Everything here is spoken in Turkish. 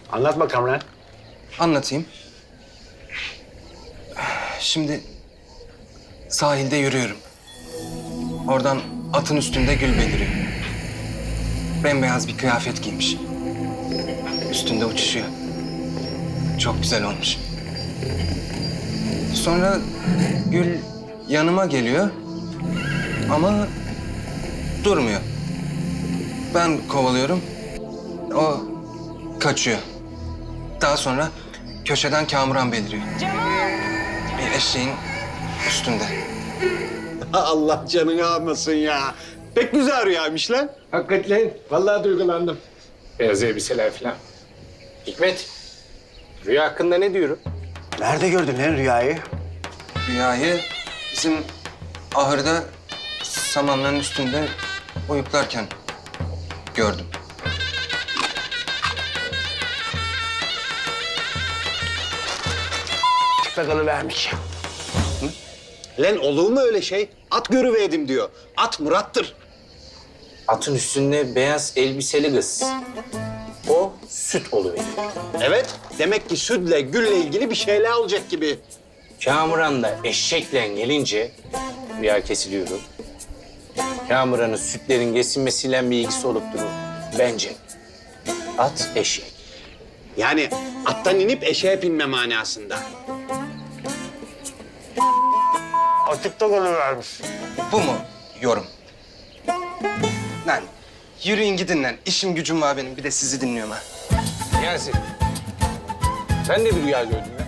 Anlat bakalım lan. Anlatayım. Şimdi sahilde yürüyorum. Oradan atın üstünde Gül beliriyor. Bembeyaz bir kıyafet giymiş. Üstünde uçuşuyor. Çok güzel olmuş. Sonra Gül yanıma geliyor ama durmuyor. Ben kovalıyorum. O kaçıyor. Daha sonra köşeden Kamuran beliriyor. Bir eşeğin üstünde. Allah canını almasın ya. Pek güzel rüyaymış lan. Hakikaten. Vallahi duygulandım. Beyaz elbiseler falan. Hikmet, rüya hakkında ne diyorum? Nerede gördün lan rüyayı? Rüyayı bizim ahırda samanların üstünde uyuklarken gördüm. Tıklakalı vermiş. Lan olur mu öyle şey? At görüverdim diyor. At Murat'tır. Atın üstünde beyaz elbiseli kız. O süt oluveriyor. Evet, demek ki sütle, gülle ilgili bir şeyler olacak gibi. Kamuran da eşekle gelince rüya kesiliyorum. Kamuran'ın sütlerin kesilmesiyle bir ilgisi olup durur. Bence at eşek. Yani attan inip eşeğe binme manasında. Atıkta kalıvermiş. Bu mu yorum? Lan yürüyün gidin lan. İşim gücüm var benim. Bir de sizi dinliyorum ha. Niyazi, sen de bir rüya gördün.